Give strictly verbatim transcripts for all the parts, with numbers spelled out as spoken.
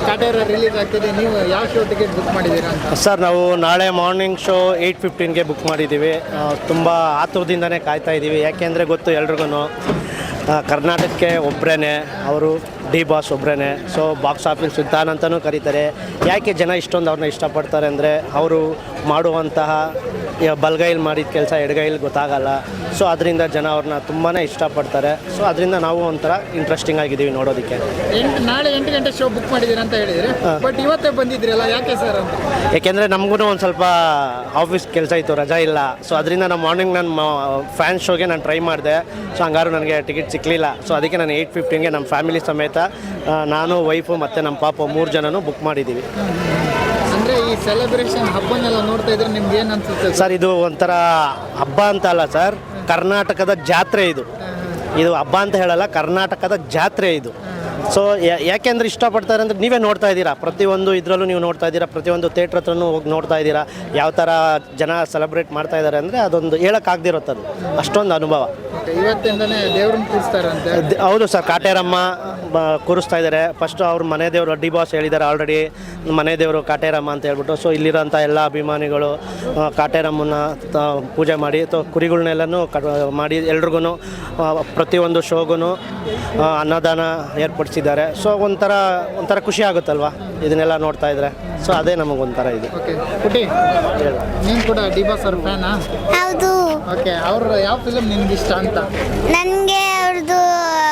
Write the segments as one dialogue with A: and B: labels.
A: Kaatera release ಆಗ್ತಿದೆ, ನೀವು ಯಾವ ಶೋ ಟಿಕೆಟ್ ಬುಕ್ ಮಾಡಿದ್ದೀರಾ ಅಂತ?
B: ಸರ್ ನಾವು ನಾಳೆ ಮಾರ್ನಿಂಗ್ ಶೋ ಏಯ್ಟ್ ಫಿಫ್ಟೀನ್ಗೆ ಬುಕ್ ಮಾಡಿದ್ದೀವಿ. ತುಂಬ ಆತುರದಿಂದನೇ ಕಾಯ್ತಾ ಇದ್ದೀವಿ. ಯಾಕೆಂದರೆ ಗೊತ್ತು ಎಲ್ರಿಗೂ ಕರ್ನಾಟಕಕ್ಕೆ ಒಬ್ಬರೇ ಅವರು ಡಿ ಬಾಸ್ ಒಬ್ಬರೇ. ಸೊ ಬಾಕ್ಸ್ ಆಫೀಸ್ ಸುಲ್ತಾನ್ ಅಂತಲೂ ಕರೀತಾರೆ. ಯಾಕೆ ಜನ ಇಷ್ಟೊಂದು ಅವ್ರನ್ನ ಇಷ್ಟಪಡ್ತಾರೆ ಅಂದರೆ ಅವರು ಮಾಡುವಂತಹ ಬಲಗೈಲಿ ಮಾಡಿದ ಕೆಲಸ ಎಡಗೈಲಿ ಗೊತ್ತಾಗಲ್ಲ. ಸೊ ಅದರಿಂದ ಜನ ಅವ್ರನ್ನ ತುಂಬಾ ಇಷ್ಟಪಡ್ತಾರೆ. ಸೊ ಅದರಿಂದ ನಾವು ಒಂಥರ ಇಂಟ್ರೆಸ್ಟಿಂಗ್ ಆಗಿದ್ದೀವಿ ನೋಡೋದಕ್ಕೆ.
A: ಎಂಟು ನಾಳೆ ಎಂಟು ಗಂಟೆ ಶೋ ಬುಕ್ ಮಾಡಿದ್ದೀರಾ ಅಂತ ಹೇಳಿದರೆ, ಬಟ್ ಇವತ್ತೇ ಬಂದಿದ್ದೀರಲ್ಲ, ಯಾಕೆ ಸರ್ ಅಂತ?
B: ಯಾಕೆಂದರೆ ನಮಗೂ ಒಂದು ಸ್ವಲ್ಪ ಆಫೀಸ್ ಕೆಲಸ ಇತ್ತು, ರಜಾ ಇಲ್ಲ. ಸೊ ಅದರಿಂದ ನಾನು ಮಾರ್ನಿಂಗ್ ನನ್ನ ಫ್ಯಾನ್ ಶೋಗೆ ನಾನು ಟ್ರೈ ಮಾಡಿದೆ. ಸೊ ಹಂಗಾರು ನನಗೆ ಟಿಕೆಟ್ ಸಿಕ್ಕಲಿಲ್ಲ. ಸೊ ಅದಕ್ಕೆ ನಾನು ಏಯ್ಟ್ ಫಿಫ್ಟೀನ್ಗೆ ನಮ್ಮ ಫ್ಯಾಮಿಲಿ ಸಮೇತ ನಾನು, ವೈಫು ಮತ್ತು ನಮ್ಮ ಪಾಪ ಮೂರು ಜನನೂ ಬುಕ್ ಮಾಡಿದ್ದೀವಿ.
A: ಅಂದರೆ ಈ ಸೆಲೆಬ್ರೇಷನ್ ಹಬ್ಬನೆಲ್ಲ ನೋಡ್ತಾ ಇದ್ರೆ ನಿಮ್ಗೆ ಏನು ಅನ್ಸುತ್ತೆ
B: ಸರ್? ಇದು ಒಂಥರ ಹಬ್ಬ ಅಂತ ಅಲ್ಲ ಸರ್, ಕರ್ನಾಟಕದ ಜಾತ್ರೆ ಇದು. ಇದು ಹಬ್ಬ ಅಂತ ಹೇಳಲ್ಲ, ಕರ್ನಾಟಕದ ಜಾತ್ರೆ ಇದು. ಸೊ ಯಾಕೆಂದ್ರೆ ಇಷ್ಟಪಡ್ತಾರೆ ಅಂದರೆ ನೀವೇ ನೋಡ್ತಾ ಇದ್ದೀರಾ, ಪ್ರತಿಯೊಂದು ಇದರಲ್ಲೂ ನೀವು ನೋಡ್ತಾ ಇದ್ದೀರಾ, ಪ್ರತಿಯೊಂದು ಥಿಯೇಟ್ರ್ ಹತ್ರನೂ ಹೋಗಿ ನೋಡ್ತಾ ಇದ್ದೀರಾ ಯಾವ ಥರ ಜನ ಸೆಲೆಬ್ರೇಟ್ ಮಾಡ್ತಾ ಇದ್ದಾರೆ ಅಂದರೆ ಅದೊಂದು ಹೇಳೋಕ್ಕಾಗ್ದಿರುತ್ತದು, ಅಷ್ಟೊಂದು ಅನುಭವ.
A: ಇವತ್ತಿಂದನೇ ದೇವ್ರನ್ನ ಕೂರಿಸ್ತಾರಂತೆ.
B: ಹೌದು ಸರ್, ಕಾಟೇರಮ್ಮ ಕೂರಿಸ್ತಾ ಇದ್ದಾರೆ. ಫಸ್ಟು ಅವ್ರ ಮನೆ ದೇವರು ಡಿ ಬಾಸ್ ಹೇಳಿದ್ದಾರೆ ಆಲ್ರೆಡಿ, ಮನೆ ದೇವರು ಕಾಟೇರಮ್ಮ ಅಂತ ಹೇಳ್ಬಿಟ್ಟು. ಸೊ ಇಲ್ಲಿರೋಂಥ ಎಲ್ಲ ಅಭಿಮಾನಿಗಳು ಕಾಟೇರಮ್ಮನ ಪೂಜೆ ಮಾಡಿ ಅಥವಾ ಕುರಿಗಳನ್ನೆಲ್ಲನೂ ಕ ಮಾಡಿ ಎಲ್ರಿಗೂ ಪ್ರತಿಯೊಂದು ಶೋಗೂ ಅನ್ನದಾನ ಏರ್ಪಡಿಸಿದ್ದಾರೆ. ಸೊ ಒಂಥರ ಒಂಥರ ಖುಷಿ ಆಗುತ್ತಲ್ವ ಇದನ್ನೆಲ್ಲ ನೋಡ್ತಾ ಇದ್ರೆ. ಸೊ ಅದೇ ನಮಗೊಂಥರ ಇದು.
A: ಓಕೆ ಪುಟಿ, ನೀನು ಕೂಡ ಡಿ ಬಾಸ್ ಅವ್ರ ಫ್ಯಾನಾ?
C: ಹೌದು.
A: ಓಕೆ, ಅವ್ರ ಯಾವ ಫಿಲಮ್ ನಿನ್ಗೆ ಇಷ್ಟ ಅಂತ?
C: ನನಗೆ ಅವ್ರದ್ದು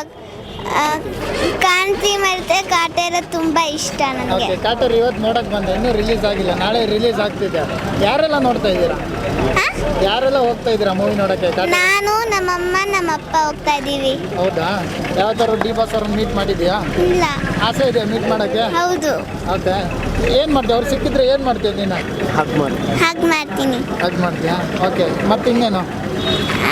C: ಕಾಂತಿ ಮತ್ತೆ ಕಾಟೇರ ತುಂಬ ಇಷ್ಟ ನನಗೆ.
A: ಓಕೆ, ಕಾಟೇರ ಇವತ್ತು ನೋಡಕ್ಕೆ ಬಂದೆ, ಇನ್ನೂ ರಿಲೀಸ್ ಆಗಿಲ್ಲ, ನಾಳೆ ರಿಲೀಸ್ ಆಗ್ತಿದೆ. ಯಾರೆಲ್ಲ ನೋಡ್ತಾ ಇದ್ದೀರಾ? ಯಾರೆಲ್ಲ ಹೋಗ್ತಾ ಇದ್ದೀರಾ ಮೂವಿ ನೋಡೋಕ್ಕೆ?
C: ನಾನು, ನಮ್ಮಮ್ಮ, ನಮ್ಮಪ್ಪ ಹೋಗ್ತಾ ಇದ್ದೀವಿ.
A: ಹೌದಾ? ಯಾವ್ದಾದ್ರು ಡಿ ಬಾಸ್ ಅವ್ರನ್ನ ಮೀಟ್ ಮಾಡಿದ್ಯಾ?
C: ಇಲ್ಲ.
A: ಆಸೆ ಇದೆ ಮೀಟ್ ಮಾಡೋಕ್ಕೆ?
C: ಹೌದು.
A: ಓಕೆ, ಏನು ಮಾಡ್ತೀಯ? ಅವ್ರು ಸಿಕ್ಕಿದ್ರೆ ಏನು ಮಾಡ್ತೀಯ ನೀನು?
B: ಹಗ್ ಮಾಡಿ
C: ಹಾಗೆ ಮಾಡ್ತೀನಿ.
A: ಹಾಗೆ ಮಾಡ್ತೀಯಾ? ಓಕೆ, ಮತ್ತೆ ಇನ್ನೇನು?
C: ಆ,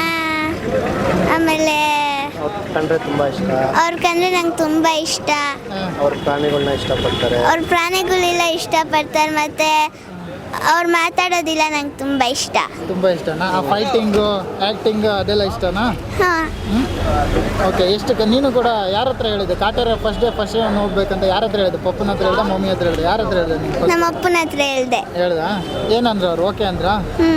C: ಆಮೇಲೆ
B: ಅವ್ರು ಕಂಡ್ರೆ ತುಂಬ ಇಷ್ಟ.
C: ಅವ್ರ ಕಂಡ್ರೆ ನಂಗೆ ತುಂಬ ಇಷ್ಟ.
B: ಅವ್ರ ಪ್ರಾಣಿಗಳನ್ನ ಇಷ್ಟಪಡ್ತಾರೆ.
C: ಅವ್ರ ಪ್ರಾಣಿಗಳೆಲ್ಲ ಇಷ್ಟಪಡ್ತಾರೆ. ಮತ್ತು ಅವ್ರು ಮಾತಾಡೋದಿಲ್ಲ ನಂಗೆ ತುಂಬ ಇಷ್ಟ.
A: ತುಂಬ ಇಷ್ಟನಾ? ಆ ಫೈಟಿಂಗು, ಆ್ಯಕ್ಟಿಂಗು ಅದೆಲ್ಲ ಇಷ್ಟನಾ?
C: ಹಾಂ.
A: ಓಕೆ, ಎಷ್ಟು ಕ ನೀನು ಕೂಡ ಯಾರ ಹತ್ರ ಹೇಳಿದೆ Kaatera first day first day ಹೋಗ್ಬೇಕಂತ? ಯಾರ ಹತ್ರ ಹೇಳಿದೆ? ಪಪ್ಪನ ಹತ್ರ ಹೇಳ್ದೆ, ಮಮ್ಮಿ ಹತ್ರ ಹೇಳಿದೆ, ಯಾರ ಹತ್ರ ಹೇಳಿದೆ ನೀನು?
C: ನಮ್ಮ ಅಪ್ಪನ ಹತ್ರ ಹೇಳ್ದೆ.
A: ಹೇಳ್ದ? ಏನಂದ್ರು ಅವ್ರು? ಓಕೆ ಅಂದ್ರ?
C: ಹ್ಞೂ.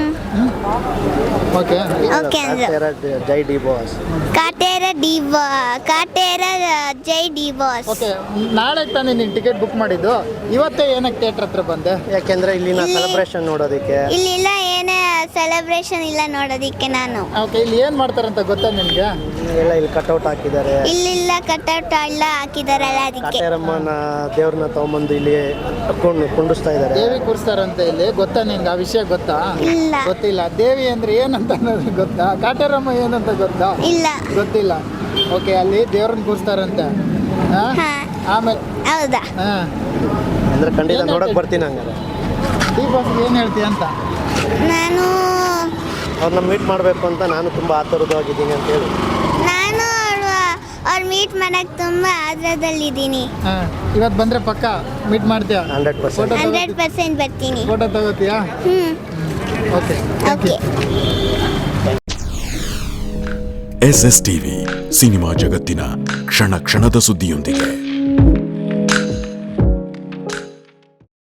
A: ಓಕೆ
C: ಓಕೆ ಅಂದ್ರು.
B: ಜೈ ಡಿ ಬಾಸ್.
C: ಕಾಟೇರ ಡಿ ಬಾ ಕಾಟೇರ ಜೈ ಡಿ ಬಾಸ್.
A: ಓಕೆ, ನಾಳೆ ತಾನೇ ನೀನು ಟಿಕೆಟ್ ಬುಕ್ ಮಾಡಿದ್ದು, ಇವತ್ತೇ ಏನಕ್ಕೆ ಥಿಯೇಟ್ರ್ ಹತ್ರ ಬಂದೆ?
B: ಯಾಕೆಂದ್ರೆ ಇಲ್ಲಿನ ಸೆಲೆಬ್ರೇಷನ್ ನೋಡೋದಕ್ಕೆ.
C: ಇಲ್ಲಿಲ್ಲ ಏನೇ ಸೆಲೆಬ್ರೇಷನ್ ಇಲ್ಲ ನೋಡೋದಿಕ್ಕೆ ನಾನು.
A: ಓಕೆ, ಇಲ್ಲಿ ಏನು ಮಾಡ್ತಾರಂತ ಗೊತ್ತಾ ನಿನಗೆ?
B: ಎಲ್ಲ ಇಲ್ಲಿ ಕಟ್ಔಟ್ ಹಾಕಿದ್ದಾರೆ.
C: ಇಲ್ಲಿಲ್ಲ ಕಟ್ಔಟ್ ಎಲ್ಲ ಹಾಕಿದಾರಲ್ಲ ಅದಕ್ಕೆ.
B: ಕಾಟೇರಮ್ಮನ ದೇವ್ರನ್ನ ತಗೊಂಬಂದು ಇಲ್ಲಿ ಕೊಂಡು ಕುಂಡಿಸ್ತಾ ಇದ್ದಾರೆ.
A: ದೇವಿ ಕೂರಿಸ್ತಾರಂತೆ ಇಲ್ಲಿ, ಗೊತ್ತಾ ನಿನ್ಗೆ? ಆ ವಿಷಯ ಗೊತ್ತಾ?
C: ಇಲ್ಲ.
A: ಗೊತ್ತಿಲ್ಲ. ದೇವಿ ಅಂದ್ರೆ ಏನಂತ ಅನ್ನೋದು ಗೊತ್ತಾ? ಕಾಟೇರಮ್ಮ ಏನಂತ ಗೊತ್ತಾ?
C: ಇಲ್ಲ.
A: ಗೊತ್ತಿಲ್ಲ. ಓಕೆ, ಅಲ್ಲಿ ದೇವ್ರನ್ನ ಕೂರಿಸ್ತಾರಂತೆ. ಆಮೇಲೆ
C: ಹೌದಾ?
A: ಹಾಂ,
B: ಅಂದ್ರೆ ಖಂಡಿತ ನೋಡಕ್ ಬರ್ತೀನಿ. ಹಂಗಾರೆ
A: ಡಿ ಬಾಸ್ ಏನು ಹೇಳ್ತೀಯ ಅಂತ?
C: ನಾನು
B: ಅವ್ರನ್ನ ಮೀಟ್ ಮಾಡಬೇಕು ಅಂತ ನಾನು ತುಂಬ ಆತುರವಾಗಿದ್ದೀನಿ ಅಂತ ಹೇಳಿ.
C: ನಾನು ಅವ್ರು ಮೀಟ್ ಮಾಡಕ್ಕೆ ತುಂಬ ಆದ್ರದಲ್ಲಿದ್ದೀನಿ.
A: ಹಾಂ, ಇವತ್ತು ಬಂದರೆ ಪಕ್ಕ ಮೀಟ್ ಮಾಡ್ತೀಯಾ?
B: ಹಂಡ್ರೆಡ್ ಪರ್ಸೆಂಟ್
C: ಹಂಡ್ರೆಡ್ ಪರ್ಸೆಂಟ್ ಬರ್ತೀನಿ.
A: ಫೋಟೋ ತಗೋತೀಯಾ?
C: ಹ್ಞೂ.
A: Okay
C: okay.
D: S S TV ಸಿನಿಮಾ ಜಗತ್ತಿನ ಕ್ಷಣ ಕ್ಷಣದ ಸುದ್ದಿಯೊಂದಿಗೆ.